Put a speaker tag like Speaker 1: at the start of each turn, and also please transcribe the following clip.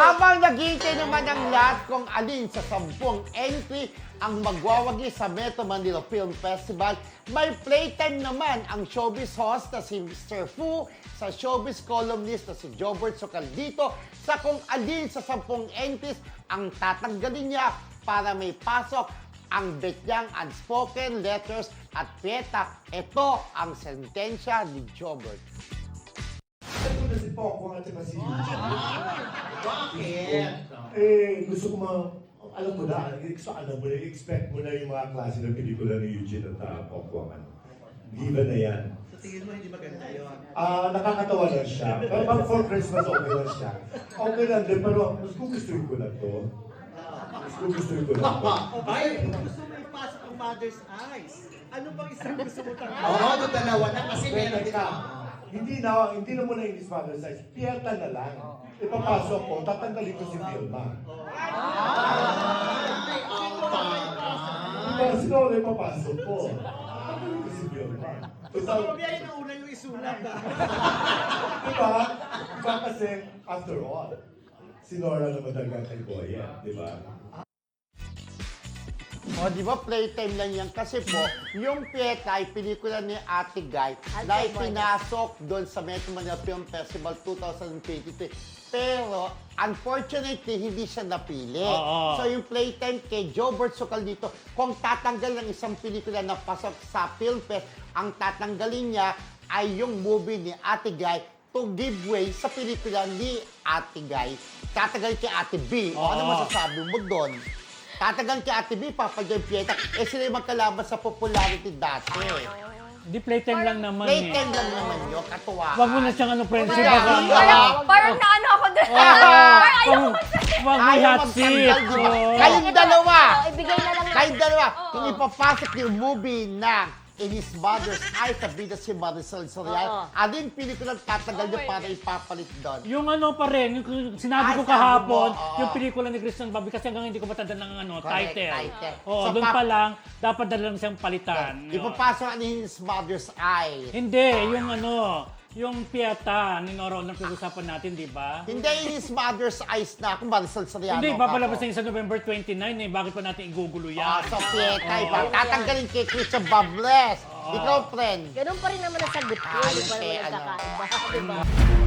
Speaker 1: Habang naghihintay naman ang lahat kung alin sa 10 entry ang magwawagi sa Metro Manila Film Festival, may playtime naman ang showbiz host na si Mr. Fu sa showbiz columnist na si Jobert Socaldito sa kung alin sa 10 entries ang tatanggalin niya para may pasok ang betyang unspoken letters at piyeta. Ito ang sentensya ni Jobert.
Speaker 2: Ito na si Poco at saka si Eugene.
Speaker 3: Bakit?
Speaker 2: Gusto ko alam mo na, expect mo na yung mga klase ng pelikula ni Eugene at Poco. Diba na yan?
Speaker 3: Sa tingin mo hindi maganda yun?
Speaker 2: Nakakatawa lang siya. Pero pag for Christmas, okay lang siya. Okay lang din, pero mas gugustuhin ko na to. Mas gugustuhin ko na to.
Speaker 3: Ay, gusto mo ipasok ang mother's eyes. Ano bang isang gusto mo tanong?
Speaker 4: Oo, doon dalawa na kasi
Speaker 2: Wait,
Speaker 4: meron
Speaker 2: teka. Hindi na muna yung father size. Piyeta na lang. Ipapasok ko, tatanggalin ko si Vilma.
Speaker 4: Ay, ang
Speaker 2: Diba, sino na ipapasok ko? Tatanggalin ko si Vilma.
Speaker 3: Gusto mo biyahin na una yung isulat ha?
Speaker 2: Diba? Diba kasi, after all, si Nora naman talaga kay Boya, diba?
Speaker 1: O, di ba, playtime lang yan. Kasi po, yung Pieta ay pelikula ni Ate Guy na ipinasok doon sa Metro Manila Film Festival 2023. Pero, unfortunately, hindi siya napili. So, yung playtime kay Jobert Socaldito, kung tatanggal ng isang pelikula na pasok sa Film Fest, ang tatanggalin niya ay yung movie ni Ate Guy to give way sa pelikula ni Ate Guy. Tatanggalin kay Ate B. O, ano masasabi mo doon? Tatagal kay Ate B, Papa John Pieta. Sila yung magkalaban sa popularity dati.
Speaker 5: Hindi playtime lang naman
Speaker 1: Playtime lang naman yun, katuwa.
Speaker 5: Wag mo na siyang friendship.
Speaker 6: Parang naano ako doon.
Speaker 5: Wag mo
Speaker 1: Ayaw
Speaker 5: hot seat.
Speaker 1: magtanggal, di ba? Kayong dalawa.
Speaker 6: Ibigay na lang
Speaker 1: Kayong dalawa. Kung ipapasok yung movie na In His Mother's Eyes, sabi na si Marisol Soriano, alin pelikulang tatagal niyo para ipapalit doon?
Speaker 5: Yung pa rin, yung sinabi ko
Speaker 1: Sabi
Speaker 5: kahapon,
Speaker 1: mo, oo.
Speaker 5: yung pelikula ni Christian Bobby, kasi hanggang hindi ko matanda ng
Speaker 1: Correct,
Speaker 5: title.
Speaker 1: title.
Speaker 5: Oo,
Speaker 1: So,
Speaker 5: doon pa lang, dapat na lang siyang palitan.
Speaker 1: Ipapasok ang In His Mother's Eyes.
Speaker 5: Hindi, yung Pieta ni Nora na pag-usapan natin, di ba?
Speaker 1: Hindi In His Mother's Eyes na kung Marisol Soriano.
Speaker 5: Hindi, papalabas
Speaker 1: ako.
Speaker 5: na yun sa November 29 eh. Bakit pa natin igugulo yan?
Speaker 1: So, Pieta, tatanggalin kay Christian Bables. Ikaw, friend.
Speaker 6: Ganun pa rin naman ang sagot ko. Di pa
Speaker 1: Kay
Speaker 6: naman
Speaker 1: ano.
Speaker 6: nagkakaiba. Di ba?